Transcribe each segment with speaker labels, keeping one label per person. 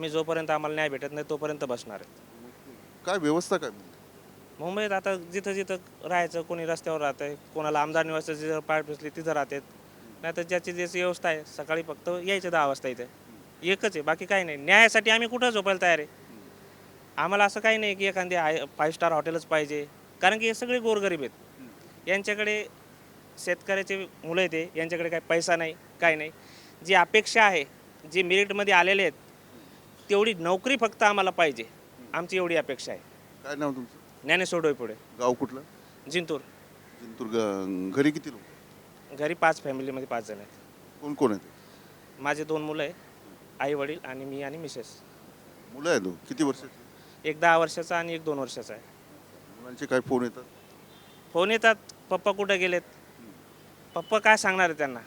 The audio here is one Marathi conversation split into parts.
Speaker 1: मी जोपर्यंत आम्हाला न्याय भेटत नाही तोपर्यंत बसणार आहे.
Speaker 2: काय व्यवस्था काय?
Speaker 1: मुंबईत आता जिथं जिथं राहायचं, कोणी रस्त्यावर राहतं आहे, कोणाला आमदार निवासाची जिथं पाय बसली तिथं राहतात. नाही तर ज्याची ज्याची व्यवस्था आहे सकाळी फक्त यायचं 10 वाजता इथे एकच आहे, बाकी काही नाही. न्यायासाठी आम्ही कुठं झोपायला तयार आहे. आम्हाला असं काही नाही की एखादी 5 स्टार हॉटेलच पाहिजे, कारण की हे सगळे गोरगरीब आहेत. यांच्याकडे शेतकऱ्याचे मुलं येते, यांच्याकडे काही पैसा नाही, काय नाही. जी अपेक्षा आहे, जे मेरिटमध्ये आलेले आहेत तेवढी नोकरी फक्त आम्हाला पाहिजे. आमची एवढी अपेक्षा आहे.
Speaker 2: काय नाव तुमचं?
Speaker 1: ज्ञानेश्वर डोईफोडे,
Speaker 2: गाव कुठलं?
Speaker 1: जिंतूर.
Speaker 2: जिंतूर. घरी किती लोक?
Speaker 1: घरी 5 फॅमिलीमध्ये 5 जण आहेत.
Speaker 2: कोण कोण आहेत?
Speaker 1: माझे 2 मुलं आहे, आई वडील आणि मी आणि मिसेस.
Speaker 2: मुलं आहेत हो? किती वर्षाची?
Speaker 1: एक 10 वर्षाचा आणि एक 2 वर्षाचा आहे.
Speaker 2: मुलांचे काय फोन येतात?
Speaker 1: फोन येतात, पप्पा कुठे गेलेत. पप्पा काय सांगणार आहे त्यांना,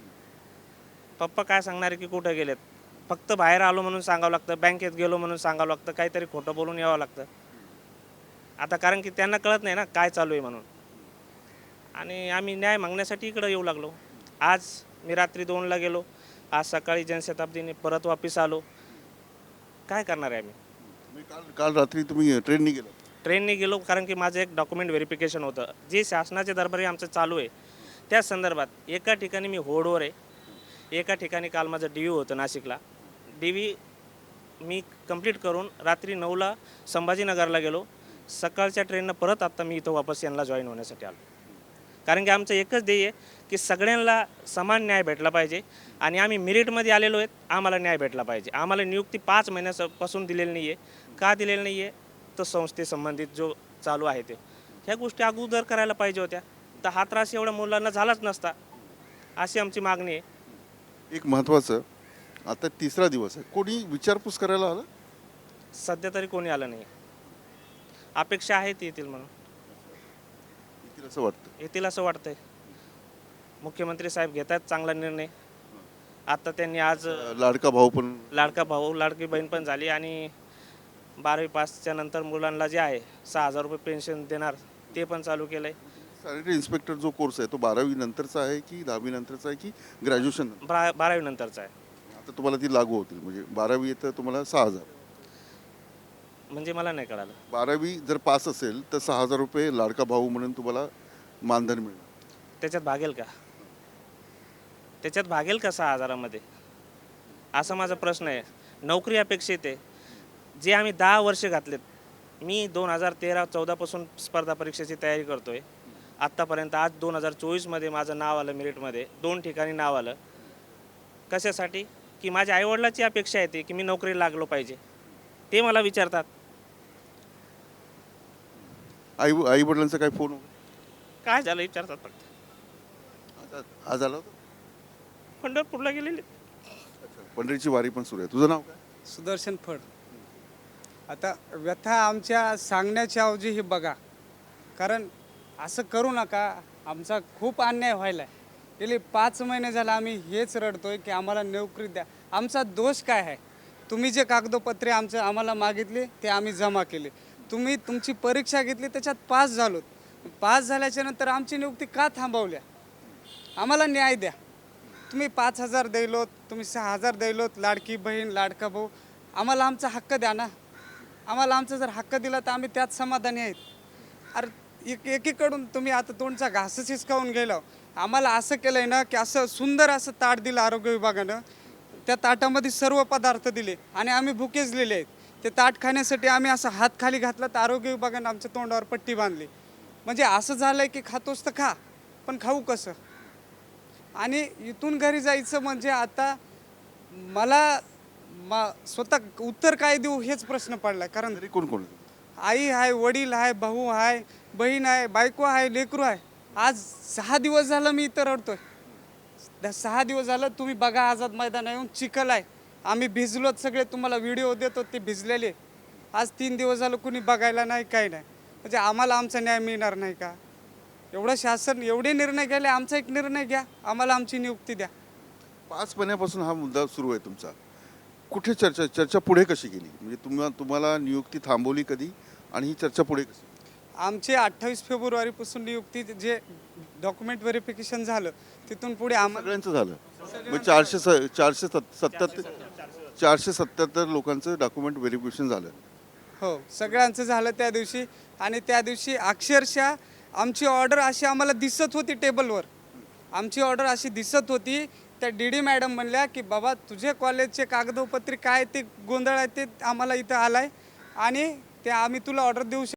Speaker 1: पप्पा काय सांगणार आहे की कुठं गेलेत. फक्त बाहेर आलो म्हणून सांगावं लागतं, बँकेत गेलो म्हणून सांगावं लागतं, काहीतरी खोटं बोलून यावं लागतं. आता कारण की त्यांना कळत नाही ना काय चालू आहे म्हणून. आणि आम्ही न्याय मागण्यासाठी इकडं येऊ लागलो. आज मी रात्री 2ला गेलो, आज सकाळी जनशताब्दीने परत वापस आलो. काय करणार आहे आम्ही.
Speaker 2: मी काल काल रात्री तुम्ही ट्रेननी गेला?
Speaker 1: ट्रेनने गेलो कारण की माझं एक डॉक्युमेंट व्हेरिफिकेशन होतं, जे शासनाचे दरबारी आमचं चालू आहे त्या संदर्भात. एका ठिकाणी मी होडवर आहे, एका ठिकाणी काल माझं DV होतं नाशिकला. DV मी कंप्लीट करून रात्री 9ला संभाजीनगरला गेलो. सकाळच्या ट्रेननं परत आत्ता मी इथं वापस यांना जॉईन होण्यासाठी आलो. कारण की आमचं एकच ध्येय आहे की सगळ्यांना समान न्याय भेटला पाहिजे. आणि आम्ही मेरिटमध्ये आलेलो आहेत, आम्हाला न्याय भेटला पाहिजे. आम्हाला नियुक्ती 5 महिन्यापासून दिलेली नाही आहे. का दिलेली नाही आहे? तर संस्थेसंबंधित जो चालू आहे ते, ह्या गोष्टी अगोदर करायला पाहिजे होत्या, तर हा त्रास एवढ्या मुलांना झालाच नसता. अशी आमची मागणी आहे.
Speaker 2: एक महत्त्वाचं, आता तिसरा दिवस आहे, कोणी विचारपूस करायला आलं?
Speaker 1: सध्या तरी कोणी आलं नाही. अपेक्षा आहे ती येतील म्हणून.
Speaker 2: येतील असं वाटतं?
Speaker 1: येतील असं वाटतंय. मुख्यमंत्री साहेब घेत आहेत चांगला निर्णय. आता त्यांनी आज
Speaker 2: लाडका भाऊ पण
Speaker 1: लाडका भाऊ लाडकी बहीण पण झाली आणि 12वी पासच्या नंतर मुलांना जे आहे 6,000 रुपये पेन्शन देणार ते पण चालू केलं आहे.
Speaker 2: सॅनिटरी इन्स्पेक्टर जो कोर्स आहे तो 12वी नंतरचा आहे की 10वी नंतरचा आहे की ग्रॅज्युएशन?
Speaker 1: 12वी नंतरचा आहे.
Speaker 2: आता तुम्हाला ती लागू होतील, म्हणजे 12वी येतं तुम्हाला 6,000.
Speaker 1: म्हणजे मला नाही कळालं.
Speaker 2: 12वी जर पास असेल तर 6,000 रुपये लाडका भाऊ म्हणून तुम्हाला मानधन मिळणार.
Speaker 1: त्याच्यात भागेल का? त्याच्यात भागेल का 6,000मध्ये? असा माझा प्रश्न आहे. नोकरी अपेक्षित आहे, जे आम्ही 10 वर्ष घातलेत. मी 2013-14 पासून स्पर्धा परीक्षेची तयारी करतो आहे. आत्तापर्यंत आज 2024मध्ये माझं नाव आलं मेरिटमध्ये, 2 ठिकाणी नाव आलं. कशासाठी? की माझ्या आईवडिलाची अपेक्षा येते की मी नोकरीला लागलो पाहिजे. ते मला विचारतात.
Speaker 2: आई आई वडिलांचा काय फोन वगैरे?
Speaker 1: काय झालं विचारतात फक्त.
Speaker 2: आज आला होता?
Speaker 1: पंढरपूरला गेलेले.
Speaker 2: अच्छा, पंढरीची वारी पण सुरू आहे. तुझं नाव काय?
Speaker 3: सुदर्शन फड. आता व्यथा आमच्या सांगण्याच्या ऐवजी ही बघा, कारण असं करू नका. आमचा खूप अन्याय व्हायला आहे. गेले 5 महिने झाला आम्ही हेच रडतोय की आम्हाला नोकरी द्या. आमचा दोष काय आहे? तुम्ही जे कागदपत्रे आम्हाला मागितले ते आम्ही जमा केले. तुम्ही तुमची परीक्षा घेतली, त्याच्यात पास झालो. पास झाल्याच्या नंतर आमची नियुक्ती का थांबवल्या? आम्हाला न्याय द्या. तुम्ही 5,000 द्यायलोत, तुम्ही 6,000 द्यायलोत, लाडकी बहीण लाडका भाऊ, आम्हाला आमचा हक्क द्या ना. आम्हाला आमचा जर हक्क दिला तर आम्ही त्यात समाधानी आहेत. अरे एकीकडून तुम्ही आता तोंडचा घासच हिसकावून गेला. आम्हाला असं केलं आहे ना की असं सुंदर असं ताट दिलं आरोग्य विभागानं. त्या ताटामध्ये सर्व पदार्थ दिले आणि आम्ही भुकेजलेले आहेत. ते ताट खाण्यासाठी आम्ही असं हात खाली घातला तर आरोग्य विभागानं आमच्या तोंडावर पट्टी बांधली. म्हणजे असं झालं आहे की खातोस तर खा, पण खाऊ कसं? आणि इथून घरी जायचं म्हणजे आता मला स्वतः उत्तर काय देऊ हेच प्रश्न पडला. कारण
Speaker 2: घरी कोण कोण आहे?
Speaker 3: आई आहे, वडील आहे, भाऊ आहे, बहीण आहे, बायको आहे, लेकरू आहे. आज 6 दिवस झालं मी इथं रडतोय. 6 दिवस झालं. तुम्ही बघा आझाद मैदान येऊन चिखल आहे. आम्ही भिजलोत सगळे, तुम्हाला व्हिडिओ देतो ते भिजलेले. आज 3 दिवस झालं कुणी बघायला नाही, काही नाही. म्हणजे आम्हाला आमचा न्याय मिळणार नाही का? एवढं शासन एवढे निर्णय घ्यायले, आमचा एक निर्णय घ्या, आम्हाला आमची नियुक्ती द्या.
Speaker 2: 5 महिन्यापासून हा मुद्दा सुरू आहे तुमचा. कुठे चर्चा पुढे कशी गेली? म्हणजे तुम्हाला नियुक्ती थांबवली कधी आणि ही चर्चा पुढे कशी?
Speaker 3: आमचे 28 फेब्रुवारीपासून नियुक्ती, जे डॉक्युमेंट व्हेरिफिकेशन झालं तिथून पुढे आम्हाला
Speaker 2: सगळ्यांचं झालं. म्हणजे 477 477 लोकांचं डॉक्युमेंट व्हेरिफिकेशन झालं.
Speaker 3: हो, सगळ्यांचं झालं त्या दिवशी. आणि त्या दिवशी अक्षरशः आमची ऑर्डर अशी आम्हाला दिसत होती टेबलवर. आमची ऑर्डर अशी दिसत होती. त्या डी मॅडम म्हणल्या की बाबा तुझे कॉलेजचे कागदोपत्री काय ते गोंधळ आहे ते आम्हाला इथं आलाय आणि ते आम्ही तुला ऑर्डर देऊ